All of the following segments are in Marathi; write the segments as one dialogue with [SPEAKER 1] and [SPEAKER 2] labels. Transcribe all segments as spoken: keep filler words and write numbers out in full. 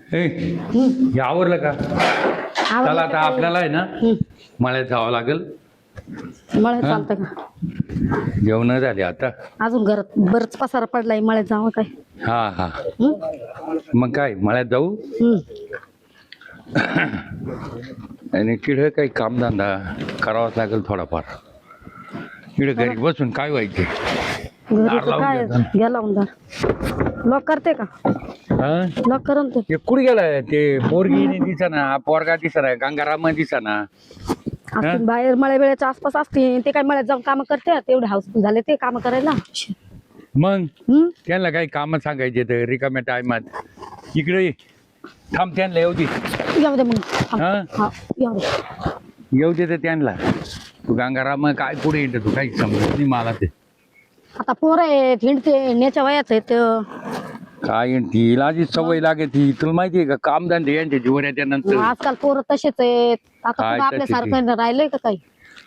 [SPEAKER 1] ए हे आवरलं का? चला आता आपल्याला आहे ना मळ्यात जावं लागेल.
[SPEAKER 2] मळ्यात चालतं का?
[SPEAKER 1] जेवण झाले आता.
[SPEAKER 2] अजून घरात बरंच पसारा पडलाय, मळ्यात जावं काय?
[SPEAKER 1] हा हा
[SPEAKER 2] हं?
[SPEAKER 1] मग काय मळ्यात जाऊ.
[SPEAKER 2] हं.
[SPEAKER 1] आणि तिकडे काही कामधंदा करावाच लागेल थोडाफार. तिकडे घरी बसून काय व्हायचे.
[SPEAKER 2] घरी तर काय गेला उंदर. लॉक करते का?
[SPEAKER 1] हा
[SPEAKER 2] लॉक करन ते.
[SPEAKER 1] ते कुठे गेलाय ते पोरगी नाही दिसना, पोरगा दिसना, गंगाराम दिसना.
[SPEAKER 2] असतील बाहेर मळ्या वेळेच्या आसपास असतील. ते काय मळ्यात जाऊन काम करते, तेवढे हाऊसफुल झाले ते काम करायला.
[SPEAKER 1] मग
[SPEAKER 2] हं?
[SPEAKER 1] त्यांना काही काम सांगायचे तर रिकाम्या टायमात इकडे ये. थांब त्यांना येऊ दे.
[SPEAKER 2] येऊ दे मग.
[SPEAKER 1] हा
[SPEAKER 2] हा येऊ दे.
[SPEAKER 1] येऊ दे तर त्यांना. तू गंगाराम काय पुढे येते तू काही समजत नाही मला ते.
[SPEAKER 2] आता पोरं आहेत हिंडते नेच्या वयाच आहेत.
[SPEAKER 1] काय तिला आधी सवय लागते. तुला माहितीये का कामधंदे यांच्या जीवन येत्या नंतर.
[SPEAKER 2] आजकाल पोरं तसेच आहेत. आता
[SPEAKER 1] काय
[SPEAKER 2] कुठं आपल्या
[SPEAKER 1] तसेच
[SPEAKER 2] सारखं राहिलंय का काही?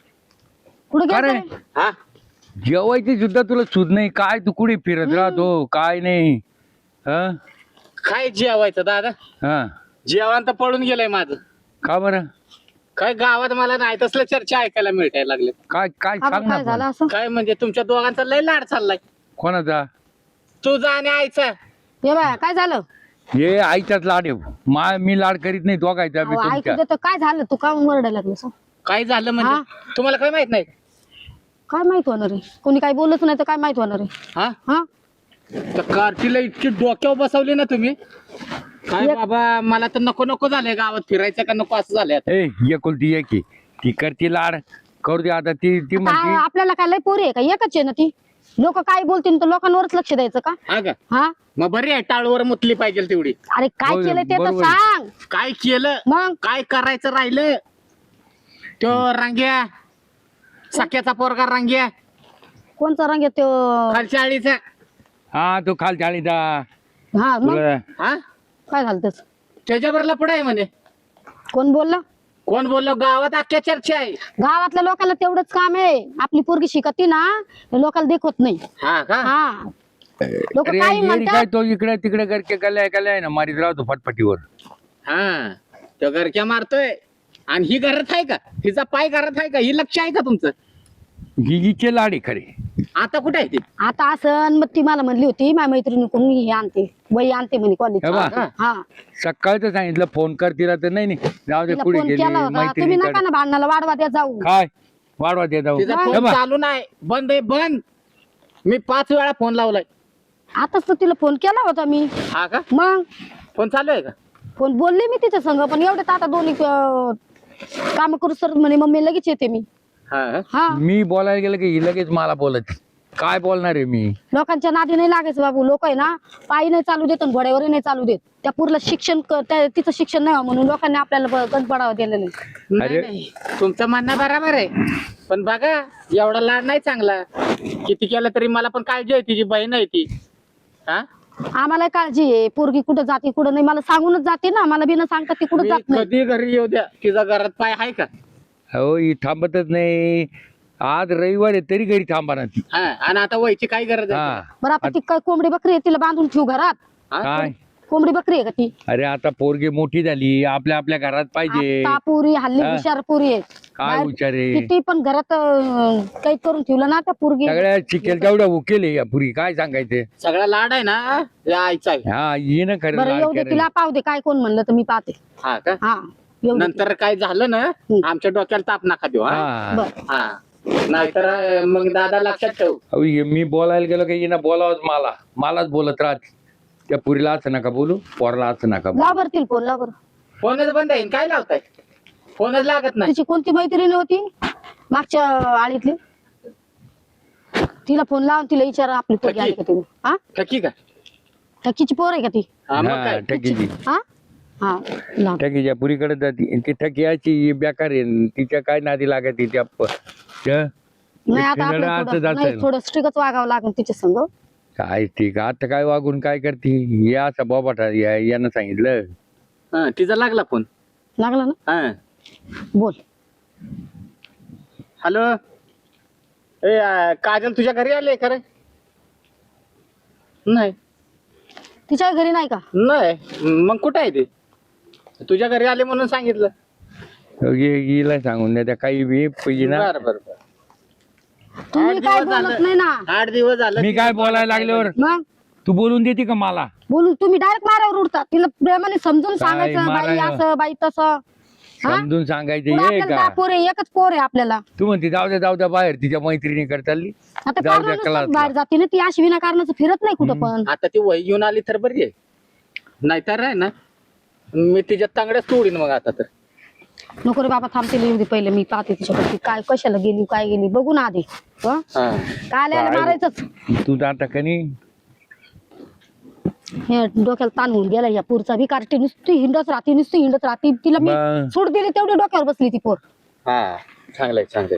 [SPEAKER 2] कुठे
[SPEAKER 1] अरे
[SPEAKER 2] गेलं?
[SPEAKER 3] हा
[SPEAKER 1] जेवायची सुद्धा तुला सुध नाही. काय तू कुठे फिरत राहतो काय नाही. हा
[SPEAKER 3] काय जेवायचं दादा?
[SPEAKER 1] हा
[SPEAKER 3] जेवण तर पळून गेलंय माझं.
[SPEAKER 1] का बरं?
[SPEAKER 3] काय गावात मला नाही तसल्या चर्चा ऐकायला मिळायला लागले.
[SPEAKER 1] काय काय
[SPEAKER 2] आता
[SPEAKER 1] सांग ना
[SPEAKER 2] काय झालं
[SPEAKER 1] पण.
[SPEAKER 2] असं?
[SPEAKER 3] काय म्हणजे तुमच्या दोघांचा लय लाड चाललाय,
[SPEAKER 1] कोणाचा?
[SPEAKER 3] तुझा आणि आईचा.
[SPEAKER 2] ये बाया काय झालं?
[SPEAKER 1] हे आईच्याच लाड आहे. मा मी लाड करीत नाही तो काय
[SPEAKER 2] अहो, ऐकू देतो काय झालं? तू का वरडायला लागलं?
[SPEAKER 3] काय झालं म्हणजे तुम्हाला काय माहित नाही?
[SPEAKER 2] काय माहित होणार आहे? कोणी काही बोलत नाही तर काय माहित होणार आहे?
[SPEAKER 3] हा
[SPEAKER 2] हा
[SPEAKER 3] तर कार्टीला इतकी डोक्यावर बसवली ना तुम्ही. काय
[SPEAKER 2] एक-
[SPEAKER 3] बाबा मला तर नको नको झालंय गावात फिरायचं का नको असं झालंय आता.
[SPEAKER 1] ए एकुलती एक आहे. ती करती लाड करू दे आता. ती ती
[SPEAKER 2] आता
[SPEAKER 1] म्हणती
[SPEAKER 2] आपल्याला काय लय पोरी आहे का? एकच आहे ना ती. लोक काय बोलतील तर लोकांवरच लक्ष द्यायचं का?
[SPEAKER 3] हा का?
[SPEAKER 2] हा
[SPEAKER 3] मग बरी आहे टाळूवर मुतली पाहिजे तेवढी.
[SPEAKER 2] अरे काय
[SPEAKER 1] होय,
[SPEAKER 2] केलं ते तर
[SPEAKER 1] बरोबर.
[SPEAKER 2] सांग.
[SPEAKER 3] काय केलं
[SPEAKER 2] मग
[SPEAKER 3] काय करायचं राहिलं? तो रांग्या सख्याचा पोरगा रांग्या
[SPEAKER 2] कोणचा रंग आहे तो?
[SPEAKER 3] खालच्या आळीचा.
[SPEAKER 1] हा तू खाल चाळीचा
[SPEAKER 2] हा मग
[SPEAKER 1] तुला
[SPEAKER 3] हा
[SPEAKER 2] काय झालं त्याच?
[SPEAKER 3] त्याच्याबरोबर पुढे आहे म्हणे.
[SPEAKER 2] कोण बोललं?
[SPEAKER 3] कोण बोललो? गावात अख्ख्या चर्चा आहे.
[SPEAKER 2] गावातल्या लोकांना तेवढंच काम आहे. आपली पोरगी शिकती ना हे लोकांना देखवत नाही.
[SPEAKER 3] हा का?
[SPEAKER 2] हा लोक
[SPEAKER 1] अरे
[SPEAKER 2] काय
[SPEAKER 1] येडी
[SPEAKER 2] म्हणतात?
[SPEAKER 1] काय तो इकडे तिकडे करके कल्या कल्या आहे ना मारीत राहतो फटफटीवर.
[SPEAKER 3] हा तो घरक्या मारतोय आणि ही घरात आहे का? हिचा पाय घरात आहे का? ही लक्ष आहे का तुमचं?
[SPEAKER 1] ही हिचे लाड आहे खरे.
[SPEAKER 3] आता कुठे आहे ती?
[SPEAKER 2] आता असं मग ती मला म्हणली होती माझ्या मैत्रिणी कोण हे आणते वही आणते म्हणे कॉलेज.
[SPEAKER 1] हे बा.
[SPEAKER 2] हा
[SPEAKER 1] सकाळचं सांगितलं फोन कर तिला तर नाही नाही जाऊ दे
[SPEAKER 2] तिला
[SPEAKER 1] पुढे
[SPEAKER 2] फोन
[SPEAKER 1] गेली
[SPEAKER 2] केला होता. तुम्ही
[SPEAKER 1] मैत्रिणीकडे.
[SPEAKER 2] नका ना भांडणाला वाढवा द्या जाऊ.
[SPEAKER 1] काय वाढवा दे जाऊ.
[SPEAKER 3] तिचा
[SPEAKER 1] हे
[SPEAKER 3] फोन
[SPEAKER 1] बा.
[SPEAKER 3] चालू नाही, बंद आहे बंद. मी पाच वेळा फोन लावलाय.
[SPEAKER 2] आताच तर तिला फोन केला होता मी.
[SPEAKER 3] हा का?
[SPEAKER 2] मग
[SPEAKER 3] फोन चालू आहे का?
[SPEAKER 2] फोन बोलले मी तिच्या संग पण एवढे आता दोन्ही काम करू सर म्हणे मम्मी लगेच येते मी.
[SPEAKER 3] हा
[SPEAKER 2] हा
[SPEAKER 1] मी बोलायला गेलं की ही लगेच मला बोलत. काय बोलणार आहे मी?
[SPEAKER 2] लोकांच्या नादी नाही लागायचं बाबू. लोक आहे ना पायी नाही चालू देत आणि घोड्यावरही नाही चालू देत. त्या पुरला शिक्षण क- त्या- तिचं शिक्षण नाही म्हणून लोकांनी आपल्याला ब- गंज पडावं दिलेलं नाही.
[SPEAKER 3] नाही,
[SPEAKER 1] अरे.
[SPEAKER 3] नाही. तुमचं म्हणणं बरोबर आहे पण बघा एवढा लाड नाही चांगला. किती केलं तरी मला पण काळजी आहे. तिची बहीण आहे ती. हा
[SPEAKER 2] आम्हाला काळजी आहे. पोरगी कुठं जाते कुठं नाही मला सांगूनच जाते ना. मला बिना सांगता ती कुठं
[SPEAKER 3] मी
[SPEAKER 2] जात नाही.
[SPEAKER 3] कधी घरी येऊ द्या तिचा घरात पाय आहे का?
[SPEAKER 1] हो ही थांबतच नाही. आज रविवार आहे तरी घरी थांबा ना ती.
[SPEAKER 3] हा आणि आता व्हायची काय गरज आहे?
[SPEAKER 1] हा
[SPEAKER 2] बरं आता ती काय कोंबडी बकरी आहे तिला बांधून ठेवू घरात?
[SPEAKER 3] हा?
[SPEAKER 1] काय
[SPEAKER 2] कोंबडी बकरी आहे का ती?
[SPEAKER 1] अरे आता पोरगी मोठी झाली आपल्या आपल्या घरात पाहिजे.
[SPEAKER 2] आता पुरी हल्ली
[SPEAKER 1] हा.
[SPEAKER 2] हुशार पुरी आहे.
[SPEAKER 1] काय
[SPEAKER 2] बाहेर
[SPEAKER 1] हुशार आहे?
[SPEAKER 2] किती पण घरात अं, काही करून ठेवलं ना त्या पुरगी.
[SPEAKER 1] सगळ्या चिकेल तेवढ्या उकेल आहे या पुरी. काय सांगायचं?
[SPEAKER 3] सगळा लाड आहे ना या आईचा आहे.
[SPEAKER 1] हा ये ना खरं
[SPEAKER 2] बरं
[SPEAKER 1] लाड
[SPEAKER 2] येऊ दे
[SPEAKER 1] करायला.
[SPEAKER 2] तिला पाहू दे. काय कोण म्हणलं तर मी पाहते.
[SPEAKER 3] हा का?
[SPEAKER 2] हा येऊ दे.
[SPEAKER 3] नंतर काय झालं ना आमच्या डोक्याला ताप नका देऊ. हा
[SPEAKER 1] हा
[SPEAKER 2] बरं
[SPEAKER 3] हा नाहीतर अं, मग दादा लक्षात ठेव.
[SPEAKER 1] अहो, हे मी बोलायला गेलो की येणं बोलावंच मला मलाच बोलत राहते. त्या पुरीला असं नका बोलू पोराला असं नका बोलू.
[SPEAKER 2] लाव बरं तिला फोन लाव बरं.
[SPEAKER 3] फोनच बंद आहे काय लावताय? फोनच लागत नाही.
[SPEAKER 2] तिची कोणती मैत्रीण होती मागच्या आळीतली? तिला फोन लावून तिला विचारा आपली पोरगी आली का तुम्ही? हा
[SPEAKER 3] ठकी का?
[SPEAKER 2] टक्कीची पोर आहे का ती?
[SPEAKER 3] हा मग
[SPEAKER 1] हा
[SPEAKER 3] काय?
[SPEAKER 1] ठकीची
[SPEAKER 2] हा हा लाव.
[SPEAKER 1] ठकीच्या पुरीकडे जाते ती ठकियाची बेकार आहे. तिच्या काय नादी लागत तिच्या प- त्या-
[SPEAKER 2] नाही आता
[SPEAKER 1] फिरायला
[SPEAKER 2] आपल्याला
[SPEAKER 1] असं
[SPEAKER 2] थोडं-
[SPEAKER 1] जातं
[SPEAKER 2] नाही
[SPEAKER 1] ना.
[SPEAKER 2] थोडं स्ट्रिकच वागावं लागेल तिच्या संग.
[SPEAKER 1] काय ठीक आता काय वागून काय करते या असा बाबाटा या यानं सांगितलं.
[SPEAKER 3] हा, तिचा लागला फोन.
[SPEAKER 2] लागला ना?
[SPEAKER 3] हा
[SPEAKER 2] बोल.
[SPEAKER 3] हॅलो ए अं, काजल तुझ्या घरी आले खरं? नाही
[SPEAKER 2] तिच्या घरी नाही का?
[SPEAKER 3] नाही मग कुठे आहे ते? तुझ्या घरी आले म्हणून सांगितलं.
[SPEAKER 1] गेला सांगून द्या त्या काही बी पहिली ना.
[SPEAKER 3] बरं बरं बरं.
[SPEAKER 2] तुम्ही
[SPEAKER 3] आठ
[SPEAKER 2] काय
[SPEAKER 3] दिवस
[SPEAKER 2] बोलत
[SPEAKER 3] झालं.
[SPEAKER 2] नाही ना.
[SPEAKER 3] आठ दिवस झालं
[SPEAKER 1] मी काय बोलायला लागल्यावर
[SPEAKER 2] मग
[SPEAKER 1] तू बोलून देते का मला?
[SPEAKER 2] बोलून तुम्ही डायरेक्ट मारावर उडता. तिला प्रेमाने समजून
[SPEAKER 1] काय
[SPEAKER 2] सांगायचं बाई
[SPEAKER 1] मारायला?
[SPEAKER 2] असं बाई तसं. हा?
[SPEAKER 1] समजून सांगायचं
[SPEAKER 2] पुढं
[SPEAKER 1] हे
[SPEAKER 2] आपल्याला दहा
[SPEAKER 1] का?
[SPEAKER 2] पोर आहे, एकच पोर आहे आपल्याला.
[SPEAKER 1] तू म्हणते जाऊ द्या जाऊ द्या बाहेर तिच्या मैत्रिणी चालली.
[SPEAKER 2] आता
[SPEAKER 1] जाऊ द्या
[SPEAKER 2] कारण
[SPEAKER 1] क्लासला.
[SPEAKER 2] बाहेर जाते ना ती अशी विनाकारणाचं फिरत नाही कुठं पण.
[SPEAKER 3] आता ती वही घेऊन आली तर बरी आहे, नाहीतर आहे ना मी तिच्या तांगड्याच तोडीन मग आता तर.
[SPEAKER 2] नको रे बाबा थांबते येऊ दे पहिले मी पाहते तिच्याकडे काय कशाला गेली काय गेली बघू ना आधी. हं?
[SPEAKER 3] हा.
[SPEAKER 2] काय आल्याला
[SPEAKER 1] काय?
[SPEAKER 2] मारायचंच.
[SPEAKER 1] तू आता कनी
[SPEAKER 2] हे डोक्याला ताण होऊन गेला या पोरचा बी कार्टी नुसती हिंडत राहते नुसती हिंडत राहते तिला मी
[SPEAKER 1] बा-
[SPEAKER 2] सूट दिली तेवढी डोक्यावर बसली ती पोर.
[SPEAKER 3] हा चांगलंय चांगलंय.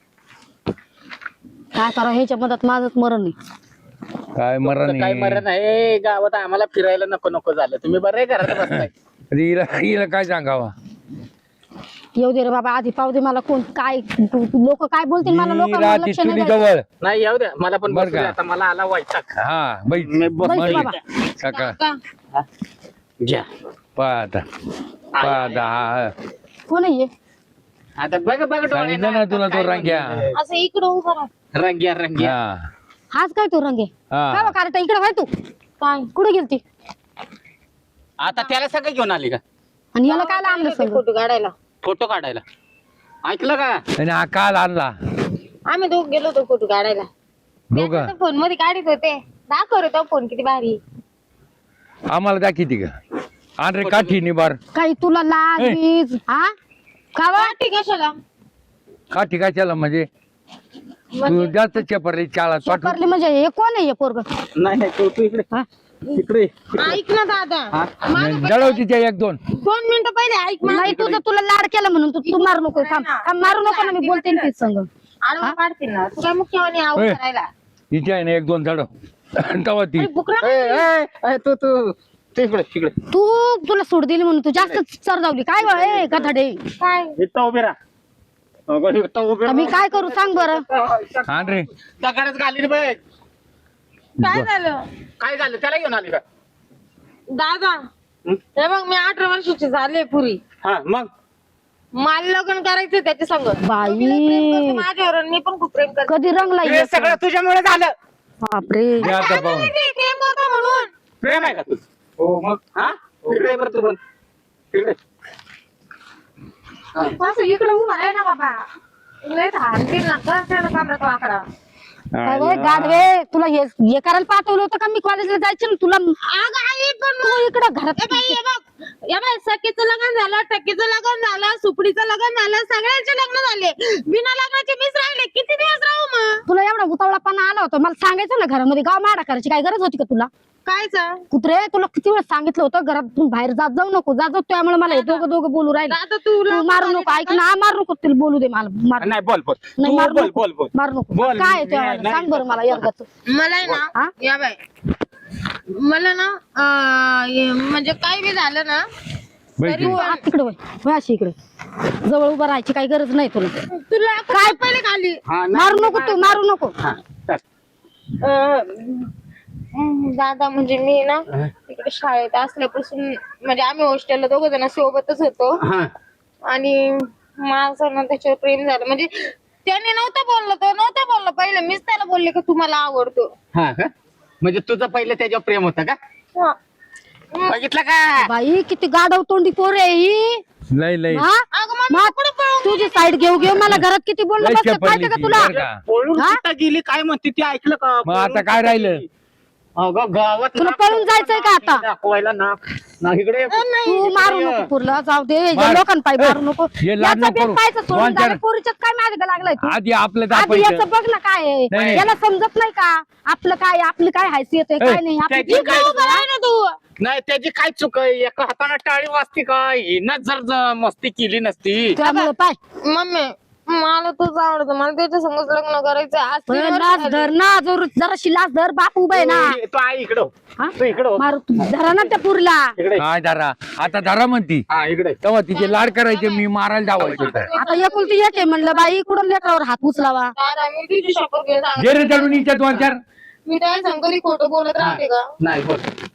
[SPEAKER 2] काय करा ह्याच्या मधात माझंच मरण नाही.
[SPEAKER 1] काय मरण
[SPEAKER 3] तुमचं काय मरण आहे गावात आम्हाला फिरायला नको नको झालं. तुम्ही बरं आहे घरात बसताय.
[SPEAKER 1] हिला हिला काय सांगावा?
[SPEAKER 2] येऊ दे रे बाबा आधी पाहू दे मला कोण काय लोक काय बोलतील मला
[SPEAKER 1] ही
[SPEAKER 2] लोकांना
[SPEAKER 1] राहते
[SPEAKER 2] लक्ष नाही
[SPEAKER 1] तुझी
[SPEAKER 2] द्यायचं.
[SPEAKER 1] जवळ.
[SPEAKER 3] नाही येऊ द्या मला पण
[SPEAKER 1] बरं
[SPEAKER 3] बसू द्या.
[SPEAKER 1] का?
[SPEAKER 3] आता मला आला वैताग.
[SPEAKER 1] हा बाई
[SPEAKER 3] मी बस-
[SPEAKER 2] बैस बाबा.
[SPEAKER 1] सकाळ
[SPEAKER 3] घ्या
[SPEAKER 1] पाहता पाहता हा.
[SPEAKER 2] कोण आहे हे?
[SPEAKER 3] आता बघ बघ
[SPEAKER 1] सांगितलं ना तुला तो रंग्या.
[SPEAKER 2] असं इकडं उभा राहा.
[SPEAKER 3] रंग्या रंग्या.
[SPEAKER 1] हा
[SPEAKER 2] हाच काय तू रंगे
[SPEAKER 1] हा.
[SPEAKER 2] काय कार्टा इकडे व्हाय तू काय कुठे गेलती
[SPEAKER 3] आता त्याला सगळं घेऊन आली का
[SPEAKER 2] आणि याला काय आणलं सगळं
[SPEAKER 4] फोटो काढायला?
[SPEAKER 3] फोटो काढायला? ऐकलं का?
[SPEAKER 1] आणि हा काल आणला
[SPEAKER 4] आम्ही दोघ गेलो होतो फोटो काढायला.
[SPEAKER 1] दोघं
[SPEAKER 4] फोन मध्ये काढत होते. दाखव रे तो फोन किती भारी.
[SPEAKER 1] आम्हाला दाखिती का? आण रे काठी निबार.
[SPEAKER 2] काही तुला लाज
[SPEAKER 1] ए.
[SPEAKER 2] बीज हा का बा?
[SPEAKER 4] ठीक कशाला?
[SPEAKER 1] काठी काय त्याला म्हणजे तू जास्त चेपरली चाला पाठवू.
[SPEAKER 2] शेपरली म्हणजे हे कोण आहे हे पोरग
[SPEAKER 3] नाही नाही तू तू इकडे
[SPEAKER 2] हा?
[SPEAKER 3] इकडे
[SPEAKER 4] ऐक ना दादा,
[SPEAKER 3] हा?
[SPEAKER 1] जळव तिच्या एक दोन.
[SPEAKER 4] दोन मिनिटं पहिले ऐक.
[SPEAKER 2] नाही तुझं तुला लाड केलं म्हणून तू तू मारू नको थांब थांब, मारू नको ना मी बोलते ना तीच संग.
[SPEAKER 4] आडवं काढतील ना. तू काय मुख्यवानी आऊ
[SPEAKER 1] ए.
[SPEAKER 4] करायला?
[SPEAKER 1] हिच्या आहे ना एक दोन जळव. तवा ती
[SPEAKER 4] बुकरा
[SPEAKER 3] ए, ए, ए, तू तू तू इकडे इकडे
[SPEAKER 2] तू तुला सोड दिली म्हणून तू जास्त चरजावली काय बा ए गधाडे.
[SPEAKER 4] काय?
[SPEAKER 3] इथं उभे राहा. अगं, इथं उभे
[SPEAKER 2] आता मी काय करू सांग बरं.
[SPEAKER 3] राहा.
[SPEAKER 1] आण रे.
[SPEAKER 3] दगडच घालीन बघ.
[SPEAKER 4] काय झालं
[SPEAKER 3] काय झालं त्याला घेऊन आली का?
[SPEAKER 4] दादा?
[SPEAKER 3] हं?
[SPEAKER 4] हे बघ मी अठरा वर्षाची झाले पुरी.
[SPEAKER 3] हा मग
[SPEAKER 4] मला लग्न करायचं त्याच्या संग.
[SPEAKER 2] बाई.
[SPEAKER 4] तो बी लय प्रेम करतो माझ्यावर आणि मी पण खूप प्रेम करते.
[SPEAKER 2] कधी रंगला
[SPEAKER 3] हे सगळं तुझ्यामुळे झालं.
[SPEAKER 2] बापरे.
[SPEAKER 1] घ्या आता पाहून.
[SPEAKER 4] ते प्रेम करतो म्हणून.
[SPEAKER 3] प्रेम आहे का तू? हो मग. हा इकडे बरं तू पण इकडे.
[SPEAKER 4] असं इकडे उभा आहे ना बाबा. लय हाणतील ना का त्याला कामरा तो आकडा.
[SPEAKER 2] काय रे गाढवे तुला हे हे करायला पाठवलं होतं का मी कॉलेजला जायचं ना तुला.
[SPEAKER 4] अगं आई पण
[SPEAKER 2] तू इकडं घरात
[SPEAKER 4] ए बाई, हे बघ, या बाई सखीचं लग्न झालं, टक्कीचं लग्न झालं, सुपडीचं लग्न झालं, सगळ्यांचे लग्न झाले. बिना लग्नाचे मीच राहिले. किती दिवस राहू मग?
[SPEAKER 2] तुला एवढा उतावळापणा आला होता मला सांगायचं ना घरामध्ये गाव माडा करायची काय गरज होती का तुला.
[SPEAKER 4] कायचं?
[SPEAKER 2] कुत्रे तुला किती वेळ सांगितलं होतं घरातून बाहेर जात जाऊ नको जात जाऊ त्यामुळे मला हे दोघं दोघं बोलू राहिले.
[SPEAKER 4] आता तुला
[SPEAKER 2] तू मारू नको ऐक ना मारू नको तुला बोलू दे मला मार
[SPEAKER 3] नाही बोल बोल
[SPEAKER 2] नाही
[SPEAKER 3] तू
[SPEAKER 2] मारू
[SPEAKER 3] बोल
[SPEAKER 2] नको
[SPEAKER 3] बोल बोल
[SPEAKER 2] मारू नको
[SPEAKER 3] बोल.
[SPEAKER 2] काय आहे
[SPEAKER 3] नाही,
[SPEAKER 2] त्या
[SPEAKER 3] नाही.
[SPEAKER 2] सांग बरं मला एकदाच.
[SPEAKER 4] मला आहे
[SPEAKER 2] हा?
[SPEAKER 4] ना या बाई मला ना अं, हे म्हणजे काय बी झालं ना
[SPEAKER 1] बैठ
[SPEAKER 2] तू आत तिकडे वळ. वळ अशी इकडे जवळ उभं राहायची काही गरज नाही तुला.
[SPEAKER 4] तुला काय पहिले खाली
[SPEAKER 3] हा, नाही,
[SPEAKER 2] मारू नको तू मारू नको.
[SPEAKER 3] हा, चल.
[SPEAKER 4] अं, दादा म्हणजे मी ना तिकडे शाळेत असल्यापासून म्हणजे आम्ही हॉस्टेलला दोघं जण सोबतच होतो
[SPEAKER 3] हा.
[SPEAKER 4] आणि माझं ना त्याच्यावर प्रेम झालं. म्हणजे त्याने नव्हतं बोललं तो नव्हतं बोललं पहिले मीच त्याला बोलले की तू मला आवडतो.
[SPEAKER 3] हा का म्हणजे तुझं पहिलं त्याच्यावर प्रेम होतं का?
[SPEAKER 4] हा.
[SPEAKER 3] बघितलं का?
[SPEAKER 2] बाई किती गाढव तोंडी पोर आहे ही.
[SPEAKER 1] लय लय
[SPEAKER 2] हा?
[SPEAKER 4] अगं मग
[SPEAKER 2] मग
[SPEAKER 4] कुठं पळून
[SPEAKER 2] तुझी साईड घेऊ घेऊ मला घरात किती बोलणं
[SPEAKER 1] लय
[SPEAKER 2] बसलं
[SPEAKER 1] चपळली
[SPEAKER 2] माहिती का
[SPEAKER 1] ती,
[SPEAKER 2] तुला.
[SPEAKER 1] बरं का?
[SPEAKER 3] पळून
[SPEAKER 2] हा?
[SPEAKER 3] कुठं गेली काय म्हणते ती ऐकलं का?
[SPEAKER 1] मग आता
[SPEAKER 3] पळून
[SPEAKER 1] काय
[SPEAKER 3] कुठं
[SPEAKER 1] राहिलं?
[SPEAKER 3] गेली? अगं गावात
[SPEAKER 2] तुला
[SPEAKER 3] नाक
[SPEAKER 2] पळून जायचंय का आता?
[SPEAKER 3] दाखवायला ना ना इकडे
[SPEAKER 2] तू मारू नको पुरला जाऊ दे
[SPEAKER 1] मार.
[SPEAKER 2] लोकांपाई मारू नको.
[SPEAKER 1] हे लाड
[SPEAKER 2] याचा
[SPEAKER 1] नको करू.
[SPEAKER 2] बेत पाहायचं सोडून
[SPEAKER 1] दोन चार-
[SPEAKER 2] जा रे, पोरीच्यात काय मागे लागलाय तू.
[SPEAKER 1] आधी आपलं
[SPEAKER 2] आधी
[SPEAKER 1] दापायचं.
[SPEAKER 2] याचं बघ ना काय आहे
[SPEAKER 1] नाही.
[SPEAKER 2] याला समजत नाही का आपलं काय आपली काय हैसियत आहे काय
[SPEAKER 1] ए,
[SPEAKER 2] नाही आपली
[SPEAKER 3] त्याची
[SPEAKER 2] काय
[SPEAKER 3] काय-
[SPEAKER 4] उभं राह ना तू.
[SPEAKER 3] नाही त्याची काय चूक आहे? एका हाताने टाळी वाजते का? हिनं जर ज- मस्ती केली नसती
[SPEAKER 2] त्यामुळे पाय
[SPEAKER 4] मम्मी मला तूच आवडतं मला त्याच्या संगच लग्न करायचं आज तीन वर्ष
[SPEAKER 2] लाच
[SPEAKER 4] झाली.
[SPEAKER 2] धर ना जर जराशी लाच धर बाप उभा आहे ना.
[SPEAKER 3] तू तू आहे इकडं
[SPEAKER 2] हा?
[SPEAKER 3] तू इकडं हो.
[SPEAKER 2] मारू तू धरा ना त्या पुरीला.
[SPEAKER 3] इकडे
[SPEAKER 1] काय धरा आता धरा म्हणती
[SPEAKER 3] हा इकडे
[SPEAKER 1] तेव्हा तिचे लाड करायचे मी मारायला जावायचं होतं.
[SPEAKER 2] आता एकुलती एक आहे म्हणलं बाई कुठं लेकरावर हात उचलावा.
[SPEAKER 4] दादा मी तुझी शपथ घेऊन सांगते.
[SPEAKER 1] जे रे चढून इच्छा दोन चार
[SPEAKER 4] मी काय सांगतो खोटं बोलत राहते का?
[SPEAKER 3] नाही बोल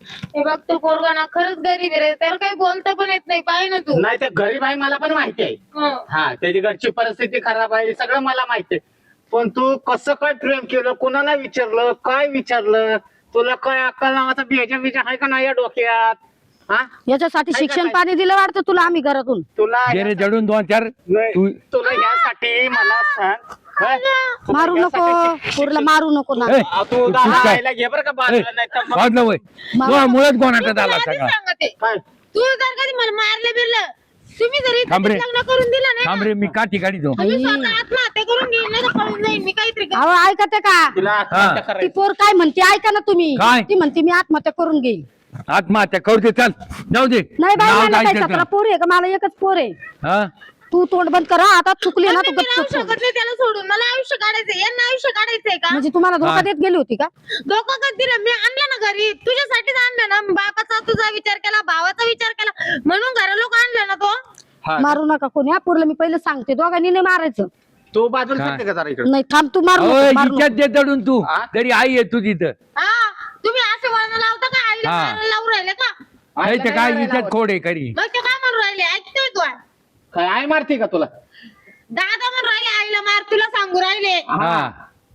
[SPEAKER 4] हे बघ तो पोरगा ना खरंच गरीब आहे रे, त्याला काही बोलता पण येत नाही, पाहिजे ना तू.
[SPEAKER 3] नाही ते गरीब आहे मला पण माहिती आहे.
[SPEAKER 4] हं.
[SPEAKER 3] हा त्याची घरची परिस्थिती खराब आहे सगळं मला माहिती आहे. पण तू कसं काय प्रेम केलं, कोणाला विचारलं, काय विचारलं, तुला काय अक्कल नावाचा बेजा बिजा आहे का नाही या डोक्यात? हा
[SPEAKER 2] याच्यासाठी
[SPEAKER 3] काय
[SPEAKER 2] शिक्षण
[SPEAKER 3] काय?
[SPEAKER 2] पाणी दिलं वाटतं तुला आम्ही घरातून.
[SPEAKER 3] तुला
[SPEAKER 1] गेले जडून दोन चार
[SPEAKER 3] नाही,
[SPEAKER 1] तू
[SPEAKER 3] तुला यासाठी मला सांग हं? तुला
[SPEAKER 2] मारू नको
[SPEAKER 3] यासाठी शिक-
[SPEAKER 2] पोरला मारू नको ना.
[SPEAKER 1] ए,
[SPEAKER 3] आ, तू
[SPEAKER 1] तू
[SPEAKER 3] दहा
[SPEAKER 1] काय?
[SPEAKER 3] आईला घे बरं का बाजूला, नाही तर मग-
[SPEAKER 1] वाजलं वय
[SPEAKER 2] मारू.
[SPEAKER 1] मुळात कोणाचा
[SPEAKER 4] तुला
[SPEAKER 1] झाला
[SPEAKER 4] आधीच
[SPEAKER 1] सगळा
[SPEAKER 4] सांगते,
[SPEAKER 3] काय?
[SPEAKER 4] तू जर कधी मला मारलं बिरलं, तुम्ही जरी
[SPEAKER 1] थांब रे.
[SPEAKER 4] लग्न करून दिलं नाही
[SPEAKER 1] थांब
[SPEAKER 4] ना,
[SPEAKER 1] रे मी काठी काढी तो
[SPEAKER 4] तुम्ही स्वतः आत्महत्या करून घेईन नाही तर पळून जाईन मी काहीतरी करेन.
[SPEAKER 2] अहो ऐकते का
[SPEAKER 3] तिला आत्महत्या
[SPEAKER 2] ती
[SPEAKER 3] करायची.
[SPEAKER 2] पोर काय म्हणते ऐका ना तुम्ही.
[SPEAKER 1] काय?
[SPEAKER 2] ती म्हणते मी आत्महत्या करून घेईल.
[SPEAKER 1] आत्महत्या करू दे चल जाऊ दे
[SPEAKER 2] नाही बाई
[SPEAKER 1] नाव
[SPEAKER 2] मला काय
[SPEAKER 1] गायचं
[SPEAKER 2] सतरा
[SPEAKER 1] का?
[SPEAKER 2] पोर आहे का, मला एकच पोर आहे.
[SPEAKER 1] हा
[SPEAKER 2] तू तोंड बंद करा आता, चुकली ना
[SPEAKER 4] पण
[SPEAKER 2] तू
[SPEAKER 4] मी राहू
[SPEAKER 2] गप्प
[SPEAKER 4] शकत नाही त्याला सोडून, मला आयुष्य काढायचंय, यांना आयुष्य काढायचंय का?
[SPEAKER 2] म्हणजे तुम्हाला धोका
[SPEAKER 1] हा.
[SPEAKER 2] देत गेली होती का?
[SPEAKER 4] धोका कधी दिला? मी आणलं ना घरी, तुझ्यासाठीच आणलं ना. बापाचा तुझा विचार केला, भावाचा विचार केला, म्हणून घरा लोक आणलं ना तो.
[SPEAKER 3] हा.
[SPEAKER 2] मारू नका कोणी. हा पोरला मी पहिले सांगते, दोघांनी नाही मारायचं.
[SPEAKER 3] तू बाजूला
[SPEAKER 1] काय?
[SPEAKER 3] सांगते का जरा इकडे?
[SPEAKER 2] नाही थांब, तू मारू
[SPEAKER 1] अहो,
[SPEAKER 2] नको, मारू
[SPEAKER 1] हिच्यात
[SPEAKER 2] नको.
[SPEAKER 1] दे दडून तू
[SPEAKER 3] हा?
[SPEAKER 1] तरी आई आहे तू तिथं
[SPEAKER 4] हा तुम्ही असे वळण लावता का आईला
[SPEAKER 1] हा.
[SPEAKER 4] मारायला लावून राहिले का?
[SPEAKER 1] नाही तर काय
[SPEAKER 3] मारायला
[SPEAKER 1] हिच्यात
[SPEAKER 3] लावत.
[SPEAKER 1] खोड आहे करी
[SPEAKER 4] मग ते काय म्हणून राहिले? ऐकतोय तू?
[SPEAKER 3] काय आई मारते का तुला?
[SPEAKER 4] दादा म्हणून राहिले आईला मार, तुला सांगू राहिले.
[SPEAKER 1] हा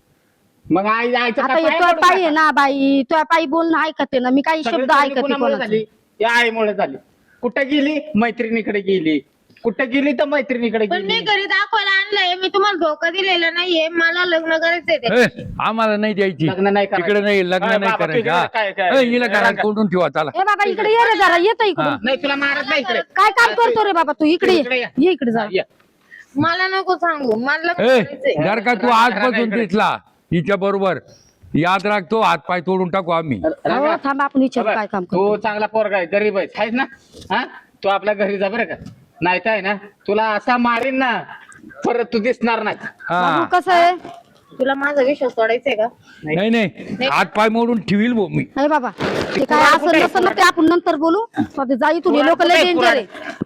[SPEAKER 3] मग आई आईचं
[SPEAKER 2] आता
[SPEAKER 3] काय
[SPEAKER 2] हे
[SPEAKER 3] पाय
[SPEAKER 2] तुझ्या
[SPEAKER 3] पडू
[SPEAKER 2] पायी आहे
[SPEAKER 3] का?
[SPEAKER 2] ना बाई, तुझ्या पायी बोलणं ऐकते ना मी, काही
[SPEAKER 3] सगळी
[SPEAKER 2] शब्द
[SPEAKER 3] चोरी
[SPEAKER 2] ऐकते
[SPEAKER 3] कोणामुळे
[SPEAKER 2] कोणाचे.
[SPEAKER 3] झाली? या आईमुळे झाली. कुठे गेली? मैत्रिणीकडे गेली. कुठे गेली तर मैत्रिणीकडे
[SPEAKER 4] पण मी
[SPEAKER 3] गेली.
[SPEAKER 4] घरी दाखवायला आणलंय, मी तुम्हाला धोका दिलेला नाहीये, मला लग्न करायचंय ते.
[SPEAKER 1] ए, आम्हाला नाही द्यायची
[SPEAKER 3] लग्न नाही करायचं.
[SPEAKER 1] तिकडे नाही लग्न
[SPEAKER 3] काय
[SPEAKER 1] नाही
[SPEAKER 3] बाबा,
[SPEAKER 1] करायचं
[SPEAKER 3] तुझ्याकडे काय- काय-
[SPEAKER 1] हा. ए, हिला घरात
[SPEAKER 3] रंगा.
[SPEAKER 1] कोंडून ठेवा चला
[SPEAKER 2] ए बाबा इकडे ये रे जरा, येतो इकडे.
[SPEAKER 1] हा.
[SPEAKER 3] नाही तुला मारत नाही इकडे.
[SPEAKER 2] काय काम करतो रे बाबा तू? इकडे
[SPEAKER 3] इकडे
[SPEAKER 2] ये.
[SPEAKER 3] ये.
[SPEAKER 2] ये इकडे जा.
[SPEAKER 3] ये.
[SPEAKER 4] मला नको सांगू, मला लग्न
[SPEAKER 1] ए
[SPEAKER 4] करायचंय.
[SPEAKER 1] जर का तू
[SPEAKER 3] रंगा-
[SPEAKER 1] आजपासून
[SPEAKER 3] रंगा इकडे.
[SPEAKER 1] दिसला हिच्या बरोबर याद राखतो हात पाय तोडून टाकू आम्ही
[SPEAKER 2] अहो
[SPEAKER 3] रंगा.
[SPEAKER 2] थांब, आपण विचार
[SPEAKER 3] बघ,
[SPEAKER 2] काय काम
[SPEAKER 3] तू
[SPEAKER 2] करतो.
[SPEAKER 3] चांगला पोरगा आहे, गरीब आहे आहेस ना? हा तू आपल्या घरी जा बरं का. नाही तर आहे ना तुला असा मारीन ना परत तू दिसणार नाही.
[SPEAKER 1] हा
[SPEAKER 2] बाबू कसं आहे?
[SPEAKER 4] तुला माझा विश्वास सोडायचाय का?
[SPEAKER 1] नाही नाही हात पाय मोडून ठेवील भाऊ मी
[SPEAKER 2] अरे बाबा ते काय
[SPEAKER 3] पुराण
[SPEAKER 2] असं
[SPEAKER 3] कुठे?
[SPEAKER 2] नसेल ना ते आपण नंतर बोलू. स्वतः जाई तू,
[SPEAKER 3] पुराण
[SPEAKER 2] लोक लय
[SPEAKER 3] कुठे?
[SPEAKER 2] डेंजर
[SPEAKER 3] पुराण.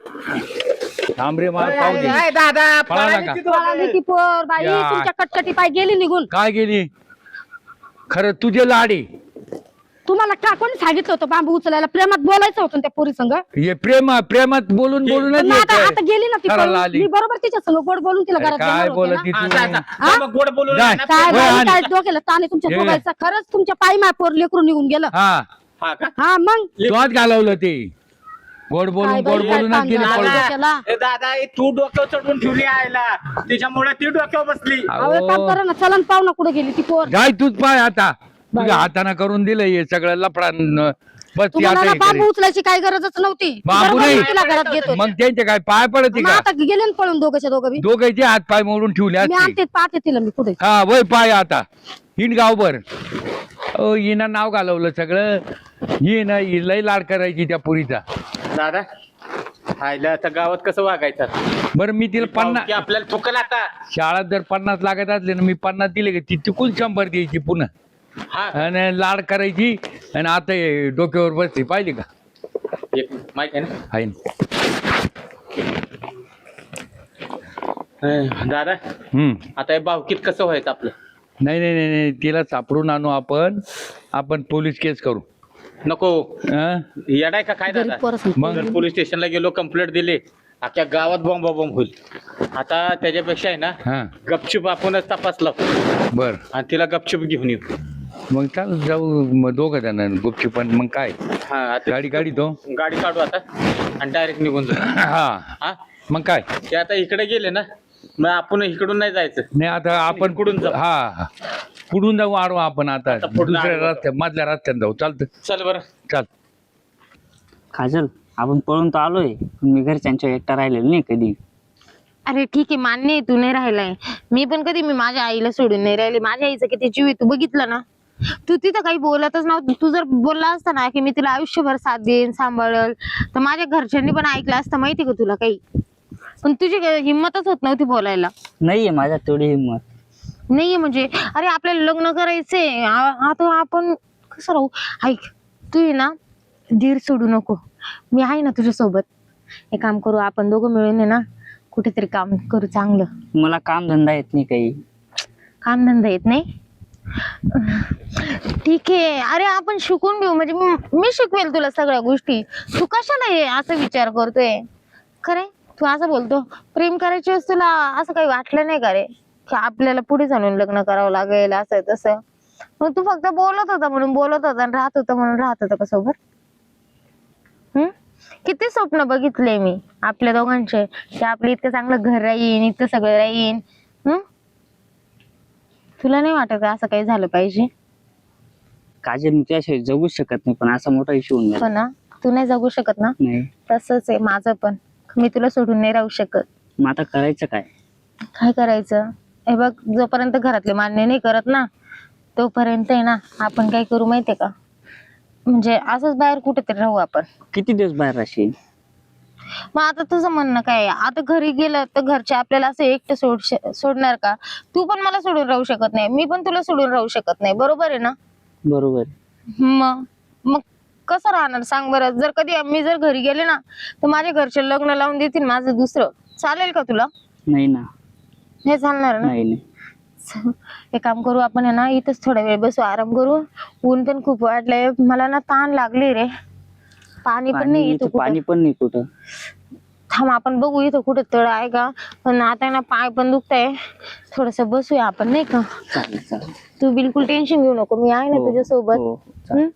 [SPEAKER 2] आहे.
[SPEAKER 1] थांब रे मला
[SPEAKER 3] अरे,
[SPEAKER 1] पाहू दे
[SPEAKER 3] अरे, दादा
[SPEAKER 1] पळाला
[SPEAKER 3] पळाली
[SPEAKER 1] का?
[SPEAKER 3] ती दोघं.
[SPEAKER 2] पळाली ती पोर बाई,
[SPEAKER 1] या.
[SPEAKER 2] तुमच्या कटकटी पाय गेली निघून.
[SPEAKER 1] काय गेली खरं तुझे लाडे
[SPEAKER 2] तुम्हाला का कोणी सांगितलं होतं बांबू उचलायला? प्रेमात बोलायचं होतं ना त्या पोरी संग.
[SPEAKER 1] हे प्रेम प्रेमात बोलून बोलूनच
[SPEAKER 2] पण आता
[SPEAKER 1] येतंय.
[SPEAKER 2] आता गेली ना ती
[SPEAKER 1] घराला
[SPEAKER 2] पळून.
[SPEAKER 1] आली.
[SPEAKER 2] मी बरोबर तिच्या संग गोड बोलून तिला
[SPEAKER 1] अरे,
[SPEAKER 2] घरात
[SPEAKER 1] काय
[SPEAKER 2] घेणार होते
[SPEAKER 1] बोलत
[SPEAKER 2] ना.
[SPEAKER 1] ती
[SPEAKER 3] हा,
[SPEAKER 1] तू?
[SPEAKER 3] जा, जा.
[SPEAKER 2] हा?
[SPEAKER 3] मग गोड बोलून
[SPEAKER 1] जा.
[SPEAKER 3] ना.
[SPEAKER 2] काय
[SPEAKER 1] वय
[SPEAKER 2] बाई,
[SPEAKER 1] आण.
[SPEAKER 2] काय डोक्याला ताणे तुमच्या
[SPEAKER 1] ये.
[SPEAKER 2] दोघांचा. खरंच तुमच्या पायी माय पोर लेकरून निघून गेलं.
[SPEAKER 1] हा
[SPEAKER 3] हा का?
[SPEAKER 2] हा मग
[SPEAKER 1] तू आज घालवलं ते गोड बोलून
[SPEAKER 2] काय बाई,
[SPEAKER 1] गोड
[SPEAKER 2] काय
[SPEAKER 1] बोलूनच गेली
[SPEAKER 2] ताण
[SPEAKER 1] पळून.
[SPEAKER 2] झाला.
[SPEAKER 3] दादा
[SPEAKER 2] केला.
[SPEAKER 3] ए, दादा ए, तू डोक्यावर चढवून ठेवली आयला तिच्यामुळे ती डोक्यावर बसली.
[SPEAKER 2] अहो एक काम करा ना, चलन पाहू ना कुठे गेली ती पोर.
[SPEAKER 1] जाय तूच पाय आता
[SPEAKER 2] बाई.
[SPEAKER 1] तुझ्या हाताने करून दिलं हे सगळं लफडा न- बस ती
[SPEAKER 2] तुम्हाला
[SPEAKER 1] आता
[SPEAKER 2] ना
[SPEAKER 1] हे
[SPEAKER 2] बांबू
[SPEAKER 1] करेल.
[SPEAKER 2] उचलायची काही गरजच नव्हती.
[SPEAKER 1] बांबू
[SPEAKER 2] बरोबर
[SPEAKER 1] नाही.
[SPEAKER 2] मी तिला घरात घेतो.
[SPEAKER 1] मग त्यांचे काय पाय पडते
[SPEAKER 2] मग
[SPEAKER 1] का
[SPEAKER 2] आता गेले ना पळून दोघंच्या दोघं बी.
[SPEAKER 1] दोघांचे हात पाय मोडून ठेवले
[SPEAKER 2] मी
[SPEAKER 1] असते
[SPEAKER 2] आणते पाहते तिला मी कुठे.
[SPEAKER 1] हा वय पाय आता हिंड गावभर ओ हिनं नाव घालवलं सगळं ही ना ही लय लाड करायची त्या पुरीचा
[SPEAKER 3] दादा आयला आता गावात कसं वागायचं?
[SPEAKER 1] बरं मी तिला पन्नास
[SPEAKER 3] की आपल्याला चुकल आता.
[SPEAKER 1] शाळात जर पन्नास लागत असले ना मी पन्नास दिले का ती चुकून शंभर द्यायची पुन्हा
[SPEAKER 3] हा
[SPEAKER 1] आणि लाड करायची आणि आता हे डोक्यावर बसली पाहिजे का
[SPEAKER 3] एक माहिती आहे ना.
[SPEAKER 1] आहे ना
[SPEAKER 3] हं, दादा
[SPEAKER 1] हम्म
[SPEAKER 3] आता हे भावकीत कसं व्हायचं आपलं?
[SPEAKER 1] नाही नाही नाही नाही तिला सापडून आणू आपण आपण पोलीस केस करू
[SPEAKER 3] नको
[SPEAKER 1] हं?
[SPEAKER 3] येडाय का काय
[SPEAKER 2] गरीब
[SPEAKER 3] दादा?
[SPEAKER 2] पोरं
[SPEAKER 1] मग
[SPEAKER 3] जर पोलीस स्टेशनला गेलो कंप्लेंट दिली अख्ख्या गावात बॉम्ब बॉम्ब होईल. आता त्याच्यापेक्षा आहे ना
[SPEAKER 1] हा
[SPEAKER 3] गपचूप आपणच तपास लावू
[SPEAKER 1] बर
[SPEAKER 3] आणि तिला गपचूप घेऊन येऊ.
[SPEAKER 1] मग चाल जाऊ मग दोघं जण गुपची पण मग काय
[SPEAKER 3] हा आता
[SPEAKER 1] गाडी गाडी तो
[SPEAKER 3] गाडी काढू आता आणि डायरेक्ट निघून जाऊ.
[SPEAKER 1] हा
[SPEAKER 3] हा
[SPEAKER 1] मग काय
[SPEAKER 3] ते आता इकडे गेले ना मग आपण इकडून नाही जायचं.
[SPEAKER 1] नाही आता आपण
[SPEAKER 3] कुठून जाऊ?
[SPEAKER 1] हा कुठून जाऊ आडवा आपण आता
[SPEAKER 3] आता पुढं
[SPEAKER 1] दुसऱ्या
[SPEAKER 3] आडवं.
[SPEAKER 1] रस्त्यात मधल्या रस्त्यात जाऊ चालतं
[SPEAKER 3] चल बरं.
[SPEAKER 1] चाल
[SPEAKER 5] काजल आपण पळून तर आलोय पण मी घरच्यांच्या एकटा राहिलेलो नाही कधी.
[SPEAKER 4] अरे ठीक आहे, मान्य आहे तू नाही राहिलाय. मी पण कधी मी माझ्या आईला सोडून नाही राहिले. माझ्या आईचं किती जीव आहे तू बघितलं ना. तू तिथं काही बोलतच नव्हतं. तू जर बोलला असता ना की मी तिला आयुष्यभर साथ देईन सांभाळल तर माझ्या घरच्यांनी पण ऐकलं असतं माहिती का तुला काही. पण तुझी हिंमतच होत नव्हती बोलायला.
[SPEAKER 5] नाहीये माझ्यात तेवढी हिंमत.
[SPEAKER 4] नाहीये म्हणजे अरे आपल्याला लग्न करायचंय. आ- आता आपण कसं राहू. ऐक तू आहे ना धीर सोडू नको. मी आहे ना तुझ्या सोबत. हे काम करू आपण दोघं मिळून आहे ना कुठेतरी काम करू चांगलं.
[SPEAKER 5] मला काम धंदा येत नाही काही.
[SPEAKER 4] काम धंदा येत नाही. ठीक आहे, अरे आपण शिकून घेऊ, म्हणजे मी मी शिकवेल तुला सगळ्या गोष्टी. तू कशाला हे असं विचार करतोय? खरे तू असं बोलतो, प्रेम करायची वेळेस तुला असं काही वाटलं नाही का रे की आपल्याला पुढे जाऊन लग्न करावं लागेल असं तसं? मग तू फक्त बोलत होता म्हणून बोलत होता आणि राहत होता म्हणून राहत होता का सोबत? हम्म किती स्वप्न बघितले मी आपल्या दोघांचे, की आपलं इतकं चांगलं घर राहीन, इतकं सगळं राहीन. हम्म तुला नाही वाटत का असं काही झालं पाहिजे?
[SPEAKER 5] काजल मी त्याशिवाय जगूच शकत नाही, पण असा मोठा इश्यू होऊन
[SPEAKER 4] हो
[SPEAKER 5] गेला.
[SPEAKER 4] ना, तू नाही जगू शकत ना?
[SPEAKER 5] नाही.
[SPEAKER 4] तसंच आहे माझं पण, मी तुला सोडून नाही राहू शकत.
[SPEAKER 5] मग आता करायचं काय?
[SPEAKER 4] काय करायचं? हे बघ, जोपर्यंत घरातले मान्य नाही करत ना तोपर्यंत आहे ना आपण काय करू माहितीये का, म्हणजे असंच बाहेर कुठेतरी राहू आपण.
[SPEAKER 5] किती दिवस बाहेर राहशील?
[SPEAKER 4] मग आता तुझं म्हणणं काय आहे? आता घरी गेलं तर घरचे आपल्याला असं एकटं सोड सोडणार का? तू पण मला सोडून राहू शकत नाही, मी पण तुला सोडून राहू शकत नाही, बरोबर आहे ना?
[SPEAKER 5] बरोबर.
[SPEAKER 4] मग मग कसं राहणार सांग बरं? जर कधी मी जर घरी गेले ना तर माझ्या घरचे लग्न लावून देतील माझं दुसरं, चालेल का तुला?
[SPEAKER 5] नाही ना.
[SPEAKER 4] हे चालणार ना?
[SPEAKER 5] नाही नाही.
[SPEAKER 4] एक काम करू आपण आहे ना, इथंच थोडा वेळ बसू, आराम करू. ऊन पण खूप वाढलंय, मला ना ताण लागली रे. पाणी पण नाही
[SPEAKER 5] पाणी
[SPEAKER 4] इथं
[SPEAKER 5] इथं पाणी
[SPEAKER 4] कुठं.
[SPEAKER 5] पण नाही कुठं.
[SPEAKER 4] थांब आपण बघू इथं कुठं तळ आहे का. पण आता ना पाय पण दुखताय, थोडस बसूया आपण नाही का?
[SPEAKER 5] चालेल चालेल.
[SPEAKER 4] तू बिलकुल टेन्शन घेऊ नको, मी आहे ना
[SPEAKER 5] हो,
[SPEAKER 4] तुझ्या सोबत.
[SPEAKER 5] हो, चालेल.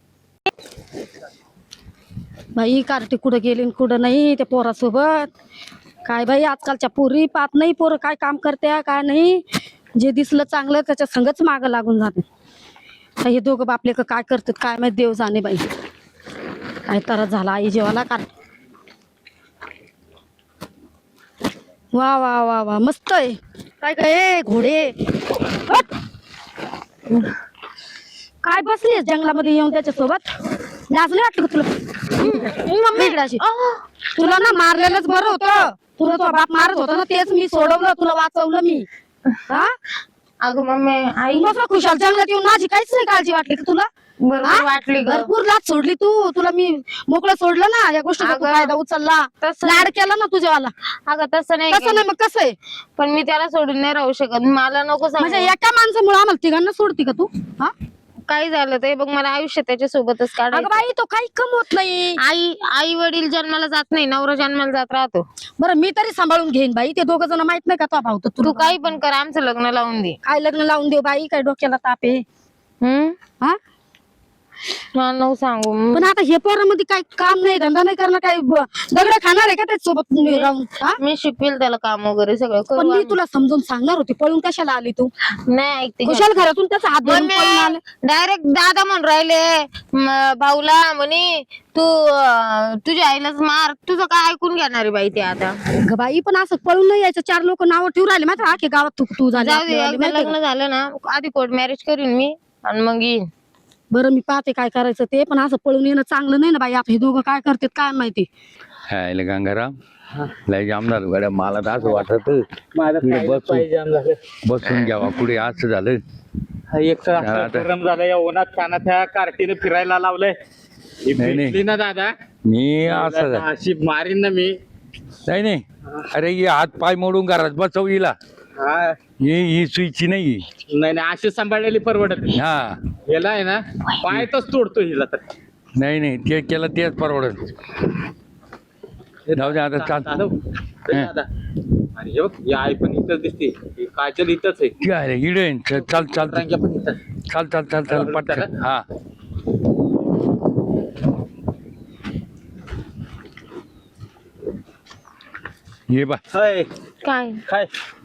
[SPEAKER 2] बाई कार्टी कुठं गेली आणि कुठं नाही त्या पोरासोबत. काय बाई आजकालच्या पोरी पाहत नाही, पोरं काय काम करत्या काय नाही. जे दिसलं चांगलं त्याच्या संगच मागं लागून जाते. हे दोघं बापले का काय करतात काय माहित, देव जाणे बाई. काय त्रास झाला आई जेवाला का. वा वा वा वा मस्त आहे. काय काय घोडे हट. काय बसलीस जंगलामध्ये येऊन त्याच्या सोबत? लाज नाही वाटलं का तुला? इकडे अशी. तुला ना मारलेलंच बरं होतं. तुला तो बाप मारत होता ना, तेच मी सोडवलं, तुला वाचवलं मी. हा
[SPEAKER 4] अगं मम्मी आई
[SPEAKER 2] बस खुशाल जंगलात येऊन माझी काहीच नाही काळजी वाटली का तुला?
[SPEAKER 4] बरोबर
[SPEAKER 2] हा?
[SPEAKER 4] वाटली ग.
[SPEAKER 2] भरपूर लाच सोडली तू. तुला मी मोकळं सोडलं ना, या गोष्टीचा तू
[SPEAKER 4] अगं,
[SPEAKER 2] फायदा उचलला,
[SPEAKER 4] तसं
[SPEAKER 2] लाड केला ना तुझ्यावाला.
[SPEAKER 4] अगं तसं नाही
[SPEAKER 2] कसं
[SPEAKER 4] केलं.
[SPEAKER 2] नाही मग कसं आहे?
[SPEAKER 4] पण मी त्याला सोडून नाही राहू शकत, मला नको सांगू.
[SPEAKER 2] म्हणजे एका माणसामुळे आम्हाला तिघांना सोडती का तू? हा
[SPEAKER 4] काही झालं तर हे बघ, मला आयुष्य त्याच्या सोबतच
[SPEAKER 2] अगं
[SPEAKER 4] काढायचं.
[SPEAKER 2] बाई तो काही कमवत नाही.
[SPEAKER 4] आई आई वडील जन्माला जात नाही, नवरा जन्माला जात राहतो.
[SPEAKER 2] बरं मी तरी सांभाळून घेईन बाई. ते दोघं जण माहित नाही का तो भाऊ तर
[SPEAKER 4] तू
[SPEAKER 2] तू
[SPEAKER 4] काही पण कर, आमचं लग्न लावून दे.
[SPEAKER 2] काय लग्न लावून देऊ बाई? काय डोक्याला ताप आहे?
[SPEAKER 4] हम्म
[SPEAKER 2] हा
[SPEAKER 4] मला नको सांगू.
[SPEAKER 2] पण आता हे पोरामध्ये काय काम नाही, धंदा नाही करणार, काय ब- दगड खाणार आहे का त्याच्या सोबत राहून? हा?
[SPEAKER 4] मी शिकवेल त्याला काम वगैरे सगळं
[SPEAKER 2] पण
[SPEAKER 4] करू
[SPEAKER 2] मी
[SPEAKER 4] आम्ही.
[SPEAKER 2] तुला समजून सांगणार होती, पळून कशाला आली तू?
[SPEAKER 4] नाही ऐकते
[SPEAKER 2] कुशाल घरातून त्याचा हात धरून पळून आले.
[SPEAKER 4] डायरेक्ट दादा म्हणून राहिले म, भाऊला म्हणे तू अं, तुझ्या आईलाच मार. तुझं काय ऐकून घेणार आहे बाई ते आता?
[SPEAKER 2] अगं बाई पण असं पळून नाही यायचं. चार लोक नाव ठेवून राहिले मात्र आखे गावात तू तू झाली
[SPEAKER 4] जाऊ दे,
[SPEAKER 2] आपल्यावाली,
[SPEAKER 4] एकदा
[SPEAKER 2] माहितीये
[SPEAKER 4] लग्न झालं ना आधी कोर्ट मॅरेज करीन मी आणि मग येईन.
[SPEAKER 2] का? बरं मी पाहते काय करायचं ते, पण असं पळून येणं चांगलं नाही ना बाई. आता हे दोघं काय करतात काय माहिती.
[SPEAKER 1] हाय गंगाराम, लय जाम झालं गड्या. मला तर असं वाटत
[SPEAKER 5] माझं
[SPEAKER 1] इकडे
[SPEAKER 5] खायला
[SPEAKER 1] बसून-
[SPEAKER 5] पाहिजे जाम झालं.
[SPEAKER 1] बसून घ्यावा कुठे असं झालं.
[SPEAKER 3] हा, एक तर असं
[SPEAKER 1] आता-
[SPEAKER 3] गरम झालं या उन्हात कानात ह्या कार्टीने फिरायला लावलंय. ही
[SPEAKER 1] नाही, नाही.
[SPEAKER 3] भेटली ना दादा,
[SPEAKER 1] मी असं झालं.
[SPEAKER 3] अशी मारीन ना मी.
[SPEAKER 1] नाही नाही, अरे ही हात पाय मोडून घरात बसव हिला.
[SPEAKER 3] हा,
[SPEAKER 1] ही ही सुईची नाही.
[SPEAKER 3] नाही नाही अशी सांभाळलेली परवडत नाही.
[SPEAKER 1] हा
[SPEAKER 3] याला आहे ना पायतच तोडतो हिला तर.
[SPEAKER 1] नाही नाही, ते केलं तेच परवडत. जाऊ दे आता, चाल.
[SPEAKER 3] चालव. ए दादा, अरे हे बघ, ही आई पण इथंच दिसते, ही काजल इथंच आहे,
[SPEAKER 1] काय रे, इडे चाल चाल चाल
[SPEAKER 3] रांग्या पण इथंच.
[SPEAKER 1] चाल चाल चाल चाल पटकन. हा ये बा,
[SPEAKER 3] हाय,
[SPEAKER 4] काय
[SPEAKER 3] काय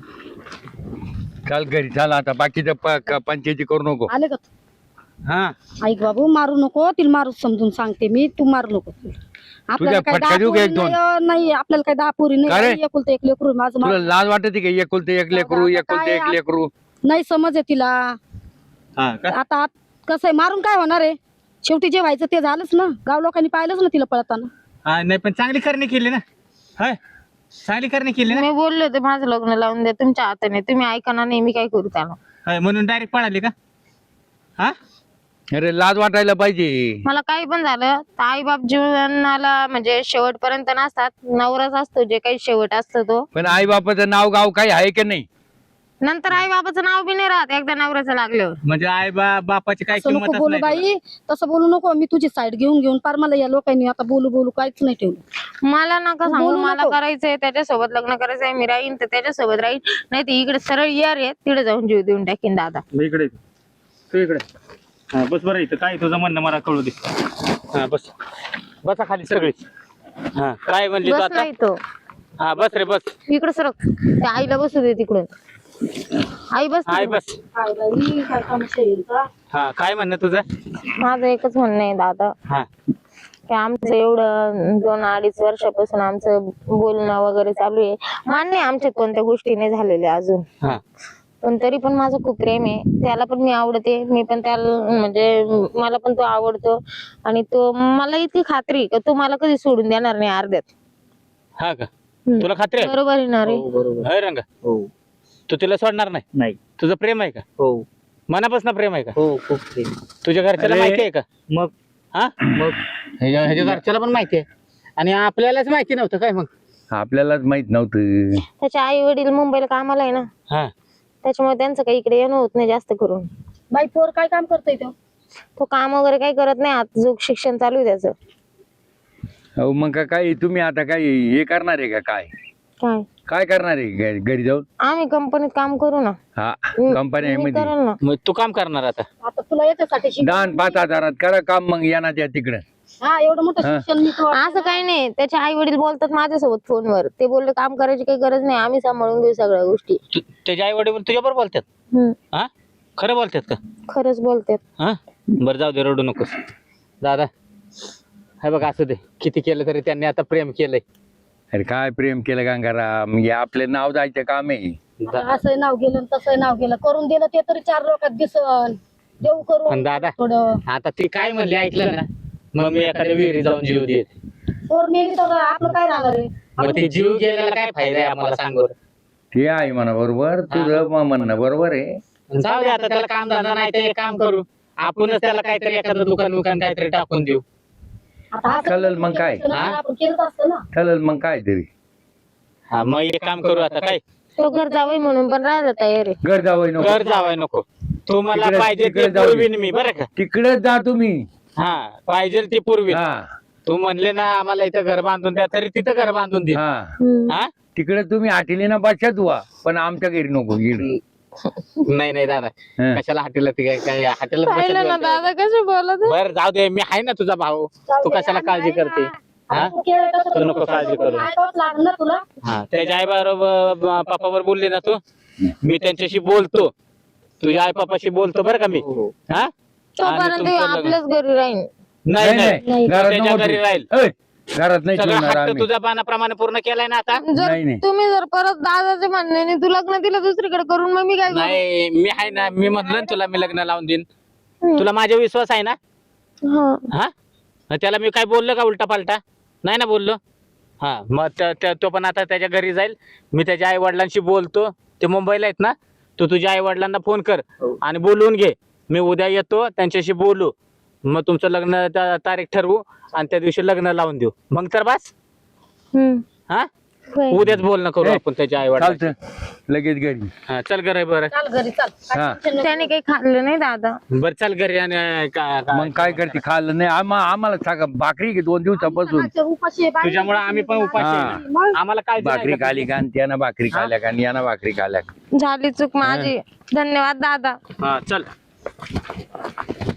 [SPEAKER 1] चाल घरी चाल. आता बाकीचं प- क- पंचायती करू नको.
[SPEAKER 2] आले का?
[SPEAKER 3] हा
[SPEAKER 2] ऐक बाबू, मारू नको तिला. मारू समजून सांगते मी, तू मारू नको. आपल्याला काय
[SPEAKER 1] फटका
[SPEAKER 2] दहा
[SPEAKER 1] देऊ का
[SPEAKER 2] पोरी
[SPEAKER 1] एक दोन?
[SPEAKER 2] नाही, नाही आपल्याला काय दहा पोरी
[SPEAKER 1] का रे?
[SPEAKER 2] नाही. एकुलतं एक लेकरू माझं.
[SPEAKER 1] तुला
[SPEAKER 2] मा-
[SPEAKER 1] लाज वाटते का? एकुलते एक लेकरू,
[SPEAKER 2] आता
[SPEAKER 1] एकुलते
[SPEAKER 2] काय
[SPEAKER 1] एक
[SPEAKER 2] आ-
[SPEAKER 1] लेकरू.
[SPEAKER 2] नाही समज आहे तिला.
[SPEAKER 3] हा का?
[SPEAKER 2] आता आत- कसं आहे, मारून काय होणार आहे? शेवटी जे व्हायचं ते झालंच ना. गाव लोकांनी पाहिलंच ना तिला पळताना.
[SPEAKER 3] हा, नाही पण चांगली करणी केली ना. हाय, चांगली करणी केली ना.
[SPEAKER 4] मी बोलले होते माझं लग्न लावून द्या तुमच्या हाताने, तुम्ही ऐका ना. नाही मी काय करू त्याला?
[SPEAKER 3] हाय, म्हणून डायरेक्ट पळाली का? हा,
[SPEAKER 1] अरे लाज वाटायला पाहिजे.
[SPEAKER 4] मला काही पण झालं तर आई बाप जीवनाला म्हणजे शेवटपर्यंत नसतात, नवराच असतो जे काही शेवट असतो तो.
[SPEAKER 1] पण आई बापाचं नाव गाव काही आहे की नाही?
[SPEAKER 4] नंतर आई बाबाचं नाव बी नाही राहत एकदा नवऱ्याचं लागल्यावर.
[SPEAKER 3] म्हणजे आई बा बापाची काय
[SPEAKER 2] असं नको
[SPEAKER 3] किंमतच
[SPEAKER 2] बोलू
[SPEAKER 3] नाही
[SPEAKER 2] बाई, तसं बोलू नको. मी तुझी साईड घेऊन घेऊन पार मला या लोकांनी आता बोलू बोलू काहीच नाही ठेवलं.
[SPEAKER 4] मला नका सांगू,
[SPEAKER 2] बोलू
[SPEAKER 4] मला
[SPEAKER 2] नको.
[SPEAKER 4] करायचंय त्याच्यासोबत लग्न करायचंय, मी राहीन तर त्याच्यासोबत राहीन, नाही तर इकडे सरळ यार आहे तिकडे जाऊन जीव देऊन टाकीन दादा.
[SPEAKER 3] तुला. इकडे तू इकडे हा बस बरं इथं काय तुझं म्हणणं मला कळू दे. हा बस बसा खाली सगळीच. हा काय म्हणली तू
[SPEAKER 4] बस
[SPEAKER 3] आता?
[SPEAKER 4] नाही तो
[SPEAKER 3] हा बस रे बस.
[SPEAKER 4] इकडे सरक, त्या आईला बसू दे तिकडून. आई बस
[SPEAKER 3] हाय
[SPEAKER 4] तिकडं.
[SPEAKER 3] बस.
[SPEAKER 2] काय बाई, काय काम शरीर का?
[SPEAKER 3] हा काय म्हणणं तुझं?
[SPEAKER 4] माझं एकच म्हणणं आहे दादा,
[SPEAKER 3] हा
[SPEAKER 4] की आमचं एवढं दोन अडीच वर्षापासून आमचं बोलणं वगैरे चालू आहे. मान्य आहे आमच्यात कोणत्या गोष्टी नाही झालेल्या अजून,
[SPEAKER 3] हा
[SPEAKER 4] पण तरी पण माझं खूप प्रेम आहे त्याला, पण मी आवडते, मी पण त्याला म्हणजे मला पण तो आवडतो. आणि तो मला इतकी खात्री आहे का तो मला कधी सोडून देणार नाही अर्ध्यात.
[SPEAKER 3] हा का
[SPEAKER 4] हम्म.
[SPEAKER 3] तुला खात्री आहे?
[SPEAKER 4] बरोबर आहे ना रे?
[SPEAKER 5] बरोबर.
[SPEAKER 3] होय रंगा
[SPEAKER 5] हो
[SPEAKER 3] तू तिला सोडणार नाही?
[SPEAKER 5] नाही.
[SPEAKER 3] तुझं प्रेम आहे का?
[SPEAKER 5] हो
[SPEAKER 3] मनापासून प्रेम आहे का?
[SPEAKER 5] हो खूप प्रेम.
[SPEAKER 3] तुझ्या घरच्याला
[SPEAKER 1] अरे.
[SPEAKER 3] माहिती आहे का?
[SPEAKER 5] मग
[SPEAKER 3] हा
[SPEAKER 5] मग
[SPEAKER 3] ह्याच्या ह्याच्या घरच्याला पण माहिती आहे आणि आपल्यालाच माहिती नव्हतं काय मग?
[SPEAKER 1] आपल्यालाच माहित नव्हतं.
[SPEAKER 4] त्याचे आई वडील मुंबईला कामाला आहे ना,
[SPEAKER 3] हा
[SPEAKER 4] त्याच्यामुळे त्यांचं काही इकडे येणं होत नाही जास्त करून.
[SPEAKER 2] बाई पोर काय काम करतोय तो?
[SPEAKER 4] तो काम वगैरे काही करत नाही, आता जो शिक्षण चालू आहे त्याचं.
[SPEAKER 1] अहो मग का काय तुम्ही आता काय हे करणार आहे का? काय
[SPEAKER 4] काय
[SPEAKER 1] काय करणार आहे घ- घरी जाऊन?
[SPEAKER 4] आम्ही कंपनीत काम करू ना.
[SPEAKER 1] हा
[SPEAKER 4] मी
[SPEAKER 1] कंपनी मध्ये
[SPEAKER 4] करेल ना.
[SPEAKER 3] मग तू काम करणार आता?
[SPEAKER 2] आता तुला याच्यासाठी शिक-
[SPEAKER 1] दान पाच हजारात करा काम, मग येणार त्या तिकडं.
[SPEAKER 2] हा एवढं मोठं
[SPEAKER 1] हा.
[SPEAKER 2] शिक्षण मी तो
[SPEAKER 4] असं काही नाही, त्याचे आई वडील बोलतात माझ्यासोबत फोनवर, ते बोलले काम करायची काही गरज नाही, आम्ही सांभाळून घेऊ सगळ्या गोष्टी.
[SPEAKER 3] तू त्याच्या आई वडील तुझ्याबरोबर बोलतात?
[SPEAKER 4] हम्म,
[SPEAKER 3] हा खरं बोलतात का?
[SPEAKER 4] खरंच बोलतात.
[SPEAKER 3] हा बरं जाऊ दे, रडू नकोस दादा. हे बघ असू दे, किती केलं तरी त्यांनी आता प्रेम केलंय.
[SPEAKER 1] अरे काय प्रेम केलं गंगाराम, हे आपले नाव जायचं काम आहे.
[SPEAKER 2] असं नाव गेलं तसं नाव गेलं, करून दिलं ते तरी चार लोकात दिसन देऊ
[SPEAKER 3] पण
[SPEAKER 2] करून
[SPEAKER 3] दादा
[SPEAKER 2] थोडं.
[SPEAKER 3] आता ती काय म्हणली ऐकलं ना? मग मी एखाद्या विहिरी जाऊन जीव देत.
[SPEAKER 2] पोर मेली तर आपलं काय राहणार आहे?
[SPEAKER 3] मग ते जीव गेलेला काय फायदा आहे आम्हाला सांग बरं?
[SPEAKER 1] ते आहे म्हणा बरोबर, तुझं म- म्हणणं बरोबर आहे.
[SPEAKER 3] जाऊ दे आता, त्याला काम धंदा नाही ते काम करू आपणच, त्याला काहीतरी एखादं दुकान दुकान काहीतरी टाकून देऊ.
[SPEAKER 2] आता असं
[SPEAKER 1] चालेल मग काय?
[SPEAKER 2] केलं तर आपण केलंच असतं ना.
[SPEAKER 1] चालेल मग काय तरी.
[SPEAKER 3] हा मग एक काम करू आता काय,
[SPEAKER 4] तो घर जावई म्हणून पण राहायला तयार आहे.
[SPEAKER 1] घर जावं नको,
[SPEAKER 3] घर जावाय नको. तू मला
[SPEAKER 1] तिकडे-
[SPEAKER 3] पाहिजे
[SPEAKER 1] तिकडे
[SPEAKER 3] ते
[SPEAKER 1] जाऊ दे.
[SPEAKER 3] पुरवीन मी बरं का?
[SPEAKER 1] तिकडे जा तुम्ही.
[SPEAKER 3] हा पाहिजे ती पुरवीन.
[SPEAKER 1] हा
[SPEAKER 3] तू म्हणले ना आम्हाला इथं घर बांधून द्या, तरी तिथं घर बांधून दे.
[SPEAKER 1] हा
[SPEAKER 4] हम्म.
[SPEAKER 3] हा
[SPEAKER 1] तिकडे तुम्ही आठीली ना बसत व्हा, पण आमच्या घरी नको इकडे.
[SPEAKER 3] नाही नाही दादा,
[SPEAKER 1] हा.
[SPEAKER 3] कशाला हॉटेलला ती काय काय हॉटेलला
[SPEAKER 4] पाहिलं ना दादा कसे बोलत.
[SPEAKER 3] बर जाऊ दे, मी आहे ना तुझा भाऊ. तू कशाला काळजी करते? हा
[SPEAKER 2] आपण केलं तसं
[SPEAKER 3] तू नको काळजी करू.
[SPEAKER 2] ऐकावंच लागलं ना तुला.
[SPEAKER 3] हा त्याच्या आई बरोबर पप्पावर बोलली ना तू, मी त्यांच्याशी बोलतो, तुझ्या आई पप्पाशी बोलतो बरं का मी. हा आणि
[SPEAKER 4] तोपर्यंत
[SPEAKER 3] तुमचं लग्न-
[SPEAKER 4] आपल्याच घरी राहीन.
[SPEAKER 3] नाही
[SPEAKER 1] नाही
[SPEAKER 3] नाही
[SPEAKER 1] नाही घरात
[SPEAKER 3] त्याच्या
[SPEAKER 1] नको
[SPEAKER 3] घरी
[SPEAKER 1] ठेवू.
[SPEAKER 3] राहील.
[SPEAKER 1] ऐ, घरात नाही
[SPEAKER 3] सगळं
[SPEAKER 1] ठेवणार
[SPEAKER 3] हट्ट
[SPEAKER 1] आम्ही.
[SPEAKER 3] तुझ्या पानाप्रमाणे पूर्ण केलाय ना आता?
[SPEAKER 4] जर
[SPEAKER 1] नाही, नाही.
[SPEAKER 4] तुम्ही जर परत दादाच्या म्हणण्याने तू लग्न दिलं दुसरीकडे करून, मग मी काय करू?
[SPEAKER 3] नाही मी आहे ना, मी म्हटलं ना तुला मी लग्न लावून देईन. तुला माझा विश्वास आहे ना?
[SPEAKER 4] हा.
[SPEAKER 3] हा मग त्याला मी काय बोललो का उलटा पालटा? नाही ना बोललो. हा मग त्या- त्या- तो पण आता त्याच्या घरी जाईल, मी त्याच्या आई वडिलांशी बोलतो, ते मुंबईला आहेत ना. तू तुझ्या आई वडिलांना फोन कर आणि बोलवून घे, मी उद्या येतो त्यांच्याशी बोलू, मग तुमचं लग्न ता- तारीख ठरवू आणि त्या दिवशी लग्न लावून देऊ. मग तर बस.
[SPEAKER 4] हम्म.
[SPEAKER 3] हा
[SPEAKER 4] होय.
[SPEAKER 3] उद्याच बोलणं करू
[SPEAKER 1] ए,
[SPEAKER 3] आपण त्याच्या आई वडिलांशी.
[SPEAKER 1] चालतं लगेच घरी.
[SPEAKER 3] हा चल घरी बरं.
[SPEAKER 2] चाल घरी चाल.
[SPEAKER 1] हा
[SPEAKER 4] त्याने काही खाल्लं नाही दादा.
[SPEAKER 3] बरं चल घरी आणि का- का-
[SPEAKER 1] मग काय करते, खाल्लं नाही आम्हा आम्हाला सांगा, भाकरी घे दोन दिवसापासून.
[SPEAKER 2] सकाळच्या उपाशी आहे, बाई.
[SPEAKER 3] तुझ्यामुळे आम्ही पण उपाशी
[SPEAKER 1] हा.
[SPEAKER 3] आहे.
[SPEAKER 2] मग
[SPEAKER 3] आम्हाला काय
[SPEAKER 1] भाकरी खाली का, आणि त्यानं भाकरी खाल्या का, आणि यानं भाकरी खाल्या का.
[SPEAKER 4] झाली चूक माझी. धन्यवाद दादा.
[SPEAKER 3] हा चल.